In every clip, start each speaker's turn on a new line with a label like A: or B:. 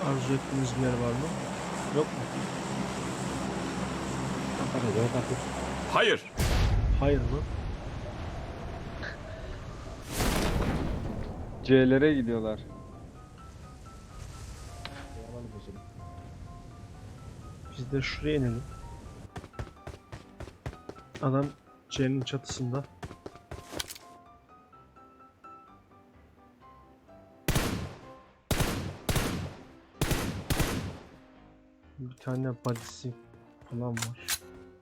A: Arzu ettiğiniz bir yer var mı? Yok mu?
B: Hayır.
A: Hayır mı?
C: C'lere gidiyorlar.
A: Biz de şuraya inelim. Adam C'nin çatısında. Bir tane badisi falan var.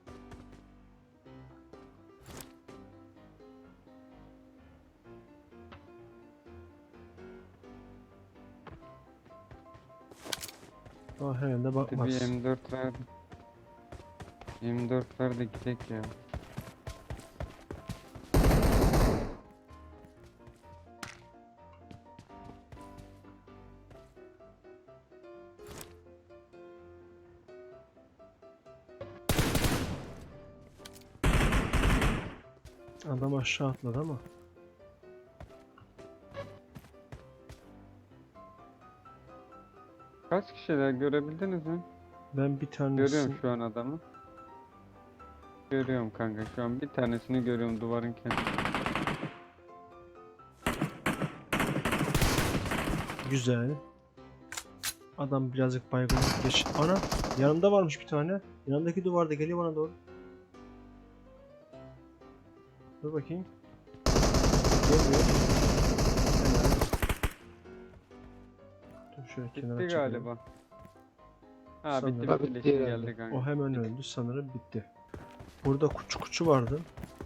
A: Ama herhalde
C: Bir
A: bakmaz.
C: M4 verdi. M4 verdi gidek ya.
A: Adam aşağı atladı ama.
C: Kaç kişiler görebildiniz mi?
A: Ben bir
C: Görüyorum
A: tanesini...
C: şu an adamı. Görüyorum kanka şu an bir tanesini görüyorum duvarın kenarında.
A: Güzel. Adam birazcık baygınlık geç. Ana! Yanımda varmış bir tane. Yanındaki duvarda geliyor bana doğru. Dur bakayım. Gelmiyor. Helal. Dur şöyle kenara
C: Bitti
A: çekelim.
C: galiba. Ha
A: Sanırım.
C: bitti
D: Bitti
C: bitti
D: herhalde.
C: geldi kanka.
A: O hemen öldü sanırım bitti. Burada kuçu vardı.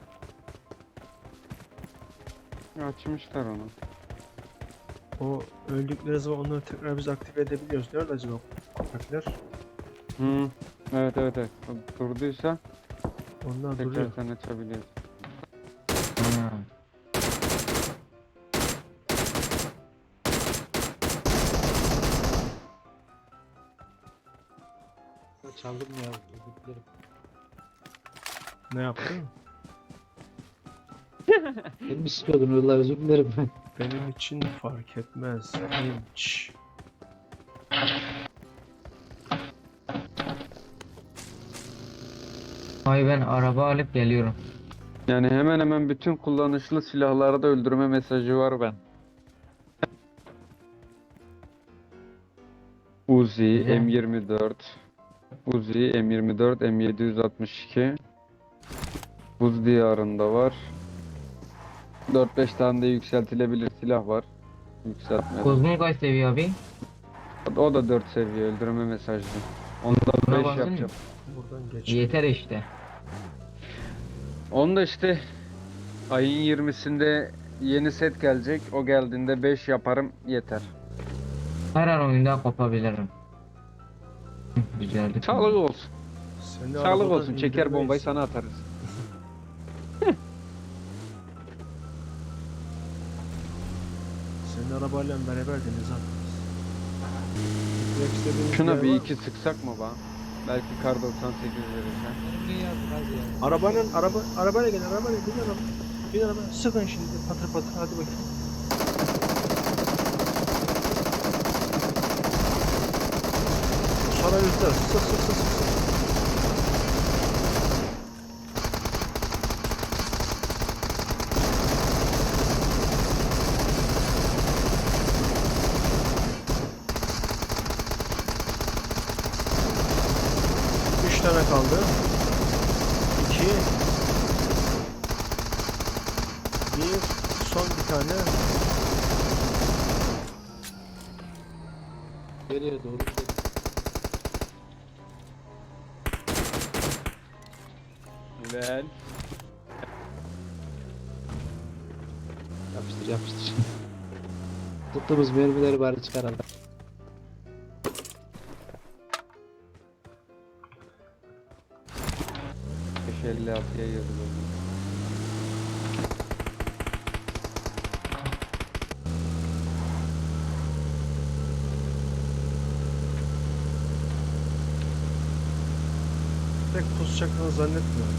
C: Açmışlar onu.
A: O öldükleri zaman onları tekrar biz aktive edebiliyoruz. Nerede acaba köpekler?
C: Hı. Evet evet evet. O durduysa
A: Onlar
C: tekrar
A: duruyor.
C: sen açabiliyorsun.
D: Çaldım ya. Özür dilerim.
A: Ne yaptın?
D: Beni mi istiyordun Uğurlar, özür dilerim.
A: Benim için fark etmez. Hiç.
E: Ay ben araba alıp geliyorum.
C: Yani hemen hemen bütün kullanışlı silahlarda öldürme mesajı var ben. Uzi,
E: Güzel.
C: M24, Uzi, M24, M762, Buz diyarında var. 4-5 tane de yükseltilebilir silah var. Yükseltmeden.
E: Kuzgun kaç seviye abi?
C: O da 4 seviye öldürme mesajlı. Onda
E: Buna
C: 5
E: baksana.
C: yapacağım.
A: Buradan geç.
E: Yeter işte.
C: Onda işte ayın 20'sinde yeni set gelecek. O geldiğinde 5 yaparım yeter.
E: Her an oyundan kopabilirim. Güzeldi.
C: Sağlık olsun.
A: Seni
C: Sağlık
A: arabadan
C: olsun. Çeker bombayı
A: indirmeyiz.
C: sana atarız.
A: Seni arabayla beraber denize atarız. Gitmek istediğiniz
C: Şuna
A: yer
C: bir
A: var
C: iki sıksak mı ba? Belki kar 98 verirsen.
D: Niye yazdın hadi ya?
A: mı? Arabayla gel, arabayla bin araba. Bin araba. Sıkın şimdi patır patır hadi bakayım. Sonra yüzler. Sık sık sık sık. Üç tane kaldı. 2 bir son bir tane.
D: Nereye doğru gidelim?
C: Güzel.
D: Yapıştır yapıştır. Tuttuğumuz mermileri bari çıkaralım.
C: 556'ya yazılıyor.
A: Pek pusacaklarını zannetmiyorum.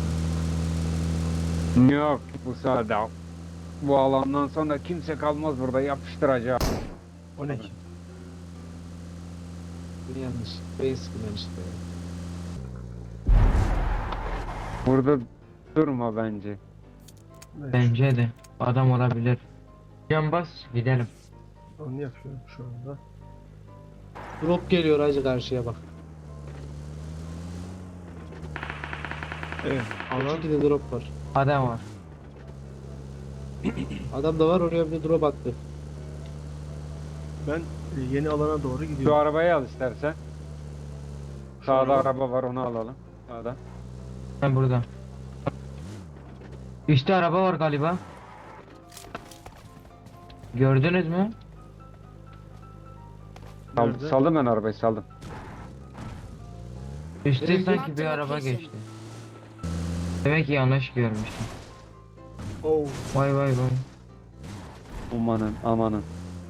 C: Yok bu sırada. Bu alandan sonra kimse kalmaz burada yapıştıracağım.
A: O ne ki?
D: Bir yanlış. Beyin sıkılan işte.
C: Burada durma bence.
A: Evet,
E: Bence de. Adam olabilir. Can bas gidelim.
A: onu yapıyorum şu anda.
D: Drop geliyor hacı karşıya bak.
A: Evet, alan
D: İki de drop var.
E: Adam var.
D: Adam da var oraya bir drop attı.
A: ben yeni alana doğru
C: Şu
A: gidiyorum.
C: arabayı al istersen.
A: Şu
C: Sağda
A: araba-
C: araba var, onu alalım. Sağda.
E: Ben burada. Üstte araba var galiba. Gördünüz mü?
A: Nerede?
C: Saldım ben arabayı, saldım.
E: Üstte
D: Nereye
E: sanki bir araba geçti. Demek ki yanlış görmüştüm.
A: Oh,
E: Vay vay vay.
C: Amanın, amanın.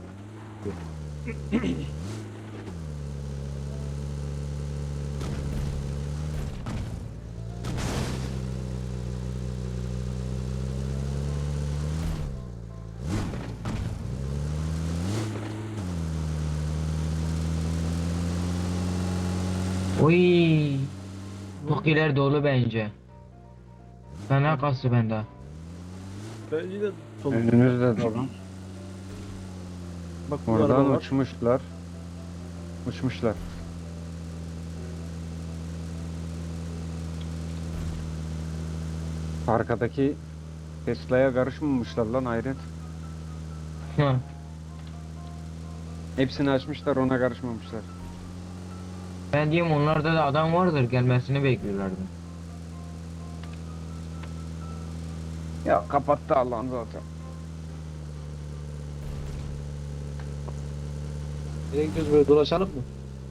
E: Oy. Çok ileri dolu bence. Fena kastı bende.
A: bence de dolu.
C: Önünüzde dolu.
A: Bak bu araba
C: Oradan
A: var.
C: uçmuşlar. Uçmuşlar. Arkadaki Tesla'ya karışmamışlar lan hayret.
E: Hı.
C: Hepsini açmışlar, ona karışmamışlar.
E: Ben diyeyim onlarda da adam vardır, gelmesini bekliyorlardı.
C: Ya kapattı Allah'ın zaten.
D: Nereye gidiyoruz böyle dolaşalım mı?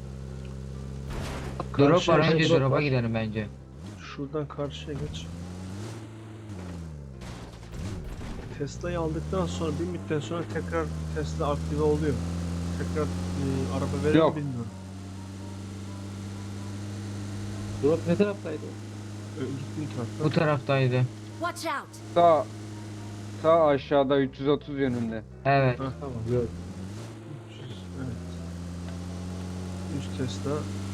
E: Drop
A: Karşıya
E: var, önce
A: geç.
D: drop
E: drop'a
D: var.
E: gidelim bence.
A: Şuradan karşıya geç. Tesla'yı aldıktan sonra bir müddet sonra tekrar Tesla aktive oluyor. Tekrar araba verir mi
C: Yok.
A: bilmiyorum.
D: Drop ne taraftaydı?
A: Gittiğin tarafta.
E: Bu taraftaydı.
F: Watch out!
C: Sağ aşağıda 330 yönünde.
E: Evet.
A: Ha.
D: Tamam gördüm.
A: 300, evet. 100 Tesla.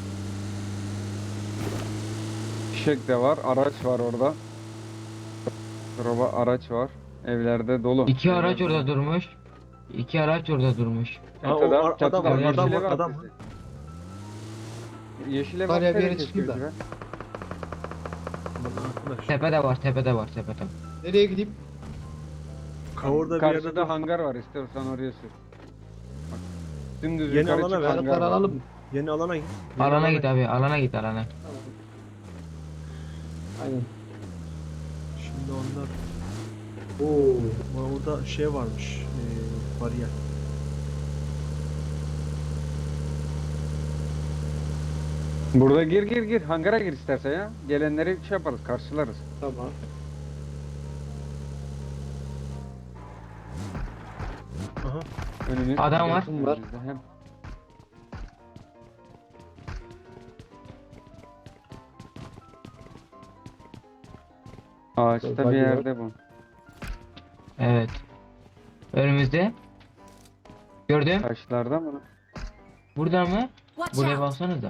C: Fişek de var, araç var orada. Araba, araç var. Evlerde dolu.
E: İki araç
C: Evlerde
E: orada
C: dolu.
E: durmuş. İki araç orada durmuş.
A: Ha, o
C: Çatıda,
A: adam
C: çatıda.
A: var,
E: adam
C: Yeşile
A: var,
C: bak
A: adam
C: bizi.
A: var.
C: Yeşile
D: Var
C: bak
D: ya, bir
C: nereye
D: yere çıkayım da.
C: çekiyoruz be?
A: Bak arkadaş.
E: Tepede var, tepede var, tepede.
D: Nereye gideyim?
A: Kavurda bir yerde
C: Karşıda hangar var, istiyorsan oraya sür. Bak, dümdüz
A: Yeni
C: yukarı
A: alana
C: çık,
A: ver.
C: hangar
D: Balıkları
C: var.
D: alalım mı?
A: yeni alana git. Yeni
E: Alana git abi, alana git, alana.
D: Tamam. Aynen.
A: Şimdi onlar
D: Oo.
A: orada şey varmış. Bariyer.
C: Burada gir, hangara gir istersen ya. Gelenleri şey yaparız, karşılarız.
D: Tamam.
A: Aha.
C: Önümüz
E: Adam var.
C: yakın
D: Var.
C: bizde hem. Ağaçta
D: Bagi
C: bir
D: var.
C: yerde bu.
E: Evet. Önümüzde. Gördüm.
C: Taşlarda mı?
E: Burada mı?
F: Watch
E: Buraya
F: out!
E: baksanıza.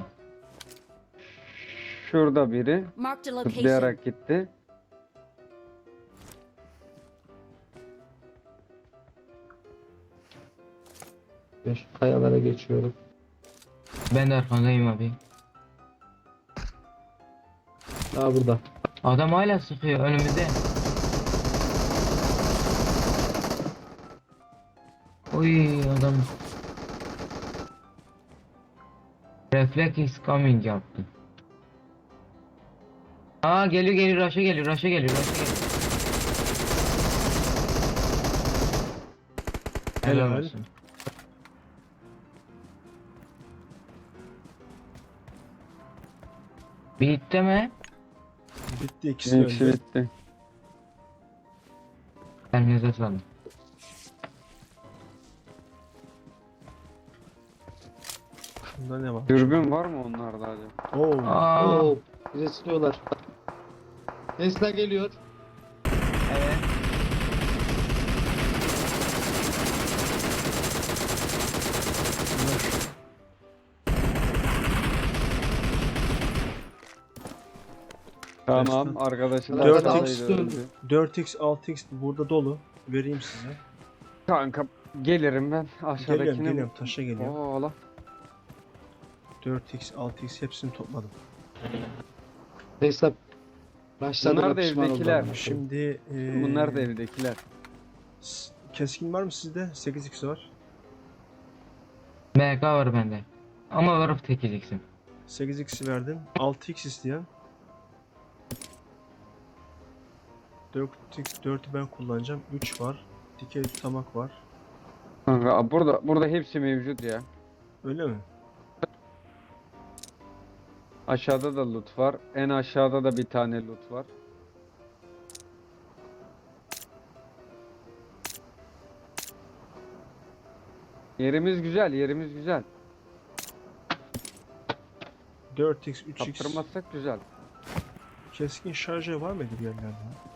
C: Şurada biri
F: Marked a location.
C: zıplayarak gitti.
D: Ben şu kayalara geçiyorum.
E: Ben de arkandayım abi.
D: Daha burada.
E: Adam hala sıkıyor önümüzde. Oy adam. Reflex is coming yaptı. Aa geliyor rush'a geliyor. Helal
A: Helal.
E: olsun. Bitti mi?
A: Bitti, ikisi
C: İkisi
A: öldü.
C: bitti.
E: Elinize sağlık.
A: Şunda ne var?
C: Dürbün var mı onlarda acaba?
A: Oo.
E: Aa,
D: Oo. Bize sıkıyorlar. Tesla geliyor.
E: evet.
C: Tamam arkadaşı da
A: 4x
C: aşağıdaydı, öldü.
A: 4x 6x burada dolu. Vereyim size.
C: Kanka gelirim ben aşağıdakine.
A: Geliyorum taşa geliyorum.
C: Oo lan.
A: 4x 6x hepsini topladım.
D: Hesap. Başladı
C: Bunlar da evdekiler.
A: Şimdi
C: Bunlar da evdekiler.
A: keskin var mı sizde? 8x var.
E: MK var bende. Ama varıp tekeceksin.
A: 8x'i verdim. 6x isteyen. 4'ü ben kullanacağım. 3 var. Dikey tutamak var.
C: Kanka burada hepsi mevcut ya.
A: Öyle mi?
C: Aşağıda da loot var. En aşağıda da bir tane loot var. Yerimiz güzel, yerimiz güzel.
A: 4x, 3x.
C: Kaptırmazsak güzel.
A: Keskin şarjör var mıydı bir yerlerde?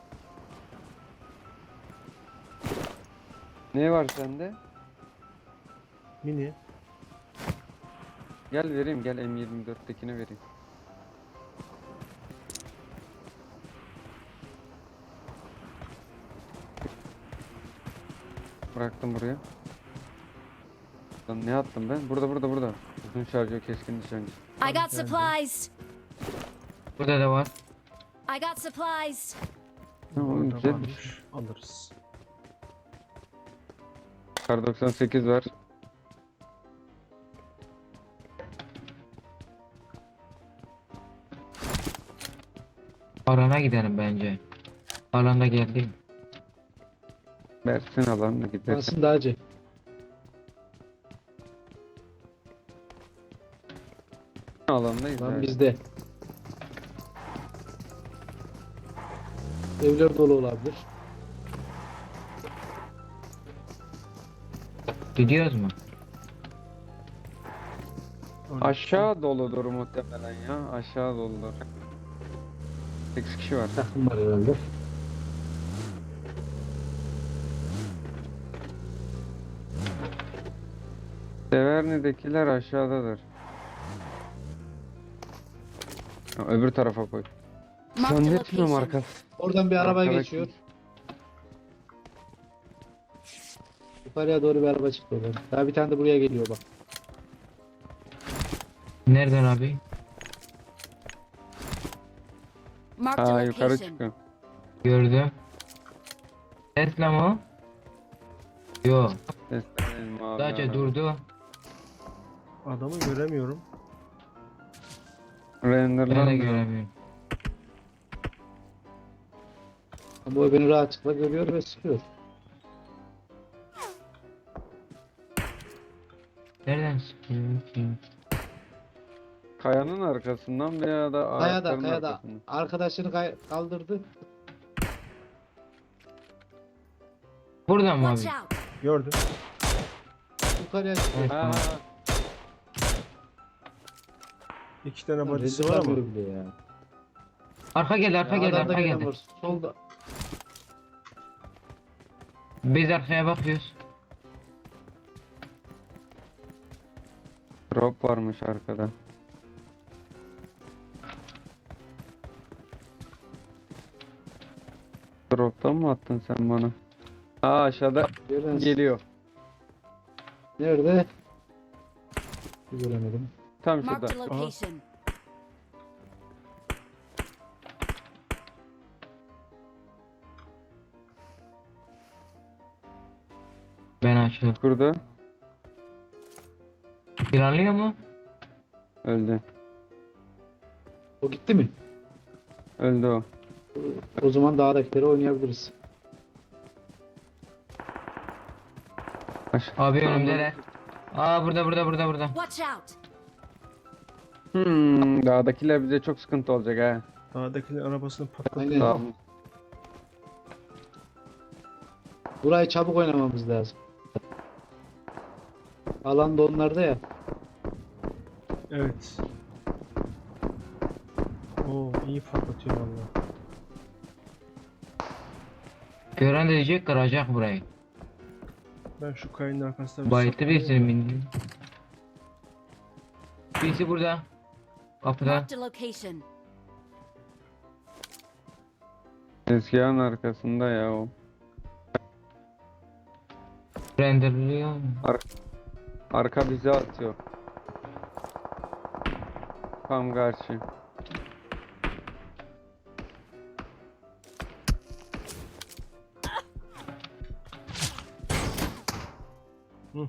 C: Ne var sende?
A: Mini.
C: Gel vereyim, gel M24'tekini vereyim. Bıraktım buraya. Lan ne attım ben? Burada. Uzun şarjör keskin nişancı.
F: I got supplies.
E: Burada da var.
F: I got supplies.
C: Tamam,
A: Orada
C: güzel.
A: varmış. Alırız.
C: Kar 98 var.
E: Alana gidelim bence. Alanda geldik.
C: Versin alanına gidersin.
D: Aslında acı.
C: Alandayız
D: Lan
C: abi.
D: bizde. Evler dolu olabilir.
E: Gidiyoruz mu?
C: Aşağı doludur muhtemelen ya. Aşağı doludur. 8 kişi var.
D: Takım var herhalde.
C: Severni'dekiler aşağıdadır. Ha, öbür tarafa koy.
F: Marked a
C: Zannetmiyorum
F: location.
C: arkası.
D: Oradan bir araba
C: Arkada
D: geçiyor.
C: kim?
D: Yukarıya doğru bir araba çıktı oradan. Daha bir tane de buraya geliyor bak.
E: Nereden abi?
F: Marked a
C: Aa yukarı
F: location.
C: çıkıyor.
E: Gördüm. Tesla mı? Yo.
C: Seslenelim abi.
E: Sadece
C: araba.
E: durdu.
A: Adamı göremiyorum.
E: Ben de
C: Renderlanmıyor.
E: göremiyorum.
D: Ama o beni rahatlıkla görüyor ve sıkıyor.
E: Nereden sıkıyor ki?
C: Kayanın arkasından veya da
D: Kayada
C: ağaçların
D: kayada.
C: arkasından.
D: Arkadaşını kaldırdı.
E: Buradan mı
F: Watch
E: abi?
F: out.
A: Gördüm.
D: Yukarıya çıkıyor.
E: Evet,
C: Ha,
E: tamam.
A: 2 tane
D: Lan
A: badisi
D: rezil
A: var ama.
D: yapıyor bile ya.
E: Arka geldi, arka
D: Ya
E: geldi,
D: adam da
E: arka
D: gelen
E: geldi.
D: var. Solda.
E: Biz arkaya bakıyoruz.
C: drop varmış arkada. Drop'tan mı attın sen bana? Aa aşağıda
D: Gelen
C: geliyor.
D: nerede? Göremedim.
C: Tam
F: Marked
C: şurada.
F: a location.
E: Ben açıyorum.
C: Burada.
E: Planlıyor mu?
C: Öldü.
D: O gitti mi?
C: Öldü o.
D: O zaman dağdakileri oynayabiliriz.
E: Abi önümdeler. Aa burada.
F: Watch out.
C: Dağdakiler bize çok sıkıntı olacak ha.
A: Dağdakilerin arabasını patlattı.
D: Aynen.
C: Tamam.
D: Burayı çabuk oynamamız lazım. Alan da onlarda ya.
A: Evet. Oo iyi patlatıyor valla.
E: Gören de diyecek kıracak burayı.
A: Ben şu kayanın arkasında bir
E: Bayıttı
A: saklanayım
E: birisini
A: da.
E: bindi. Birisi burada. Kapıda.
F: Marked a location.
C: Tezgahın arkasında ya o.
E: Renderliyor.
C: Arka bize atıyor. Tam karşı.
A: Hı.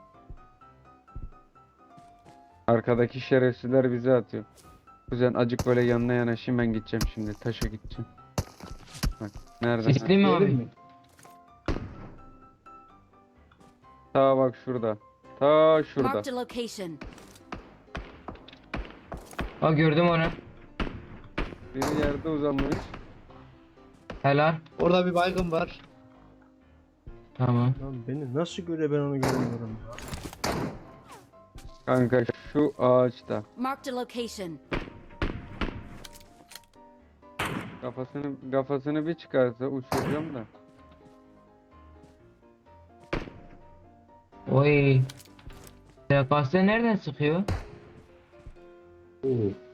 A: Arkadaki
C: Şerefsizler bize atıyor. Kuzen acık böyle yanına yanaşayım, ben gideceğim şimdi. Taşa gideceğim. Bak nerede?
E: Sisli mi
D: Gelir
E: abi?
D: mi?
C: Ta bak şurada. Ta şurada.
F: Marked a location.
E: Ha gördüm onu.
C: Bir yerde uzanmış.
E: Helal.
D: Orada bir baygın var.
E: Tamam.
A: Lan beni nasıl göre, ben onu göremiyorum ya.
C: Kanka şu ağaçta.
F: Marked a location.
C: Kafasını bir çıkarsa uçuracağım da.
E: Oy. TKS nereden sıkıyor?
D: Oo.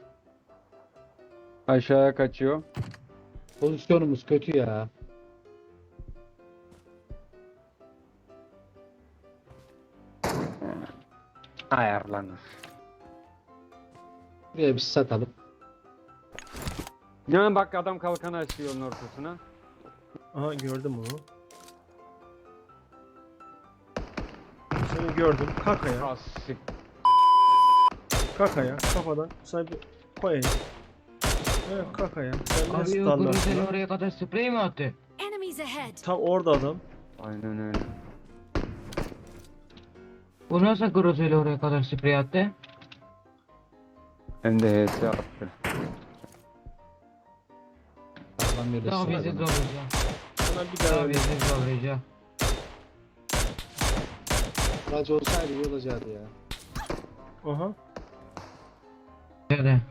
C: Aşağıya kaçıyor.
D: Pozisyonumuz kötü ya.
C: Ayarlanır.
D: Buraya bir satalım.
C: Ya bak adam kalkanı açıyor yolun ortasına.
A: Aha gördüm onu. Seni gördüm. Kakaya.
C: Asik.
A: Kakaya. Kafadan sana bir koyayım. Evet kakaya. Sen ne
E: Abi o
A: standartın
E: Gruzeli
A: lan?
E: oraya kadar sprey mi attı?
F: Enemies ahead.
A: Tam orada adam.
C: Aynen öyle.
E: Bu nasıl Gruzeli oraya kadar sprey attı?
C: Hem de HS attı.
D: Allah'ım
E: Daha
D: birleşsin.
E: bizi zorlayacak.
A: Sana bir daha
E: Daha
A: öyle.
E: bizi zorlayacak.
D: Aracı olsaydı iyi olacaktı ya.
A: Aha.
E: Şöyle.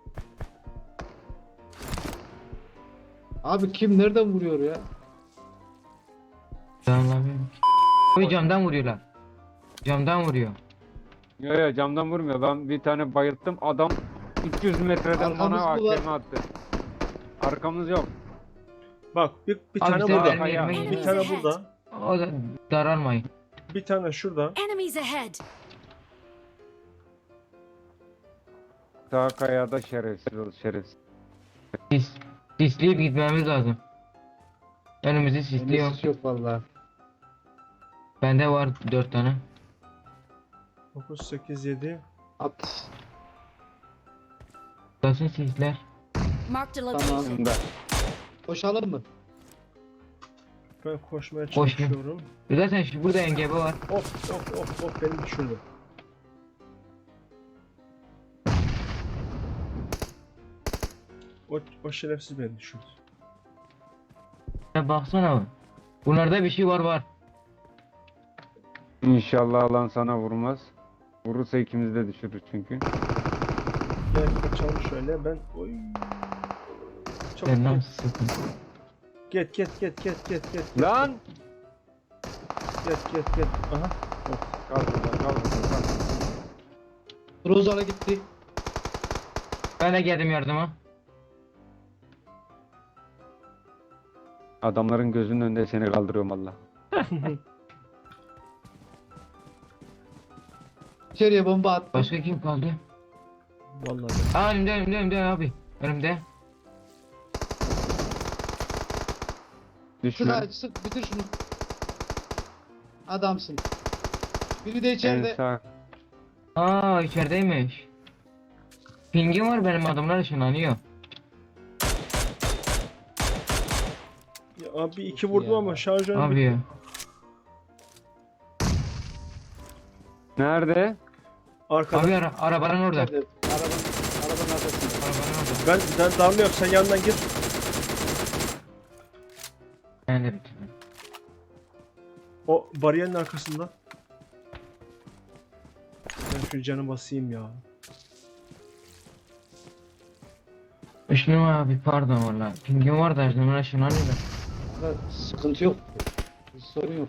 D: Abi kim nereden vuruyor ya?
E: Anlamıyorum ki. Oy camdan vuruyorlar. Camdan vuruyor.
C: Yo camdan vurmuyor. Ben bir tane bayılttım. Adam 200 metreden
D: Arkamız
C: bana
D: mı var?
C: AKM attı. Arkamız yok.
A: Bak bir
E: Abi
A: tane
E: sen
A: burada.
E: benim yerime
A: Bir
F: Enemies
A: tane
F: ahead.
A: burada.
E: O da daralmayın.
A: Bir tane şurada.
F: Enemies ahead.
C: Sağ kayada şerefsiz ol şerefsiz.
E: Sisleyip gitmemiz lazım. Önümüzü sisliyor.
D: Emesis yok vallahi.
E: Bende var 4 tane.
A: 9, 8, 7.
D: At.
E: Basın sisler.
F: Marked a
D: Tamam.
F: location.
C: Şimdi
D: Koşalım mı?
A: Ben koşmaya
E: Koşma.
A: çalışıyorum.
E: Zaten şu burada engebe var.
A: Of beni düşürdü. O şerefsiz beni düşürdü.
E: Ya baksana bak. Bunlarda bir şey var.
C: İnşallah alan sana vurmaz. Vurursa ikimiz de düşürür çünkü.
A: Gel kaçalım şöyle, ben oy. Çok
E: Ben nasıl sıkın?
A: Get.
C: Lan!
A: Get. Aha.
C: Kal burada, kal burada.
D: Rozara gitti.
E: Ben de geldim yardıma.
C: Adamların gözünün önünde seni kaldırıyorum valla.
D: İçeriye bomba attı.
E: Başka kim kaldı?
A: Vallahi
E: Aa önümde abi. Önümde.
D: Sık
C: Düşme.
D: aç, sık bitir şunu. Adamsın. Biri de
C: En
D: içeride.
C: sağ.
E: Aa içerideymiş. Pingim var benim, adamlar ışınlanıyor.
A: ya abi 2 vurdum
D: Ya.
A: ama şarjörüm
E: Abi
A: bitti.
E: ya.
C: Nerede?
A: Arkada.
E: Abi arabanın orada.
D: İçeride. Arabanın arkasında.
E: Arabanın orada.
A: Ben darlıyorum, sen yandan gir.
E: Ben de bitirdim.
A: O bariyerin arkasında. Ben şu canı basayım ya.
E: Işınım abi pardon valla. Pingim var da ışınımın ışınlanıyor da.
D: Burada sıkıntı yok. Sorun yok.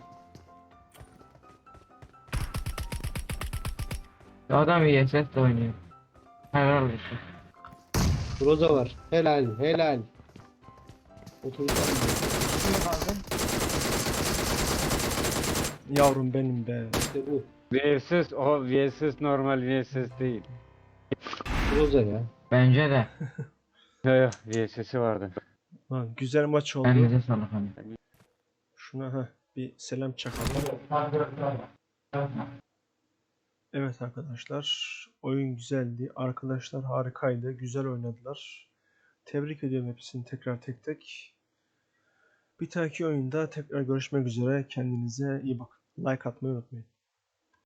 E: Adam iyi ses de oynuyor. Helal olsun.
D: Roza var. Helal. Otobüsten gidiyor.
E: Kim kaldı?
A: Yavrum benim be.
D: İşte bu.
C: VSS o VSS normal VSS değil.
D: Groza ya.
E: Bence de.
C: Yok VSS'i vardı.
A: Lan güzel maç oldu.
E: Elinize sağlık hani.
A: Şuna bir selam çakalım. Evet arkadaşlar, oyun güzeldi. Arkadaşlar harikaydı. Güzel oynadılar. Tebrik ediyorum hepsini tekrar tek tek. Bir dahaki oyunda tekrar görüşmek üzere. Kendinize iyi bakın. Like atmayı unutmayın.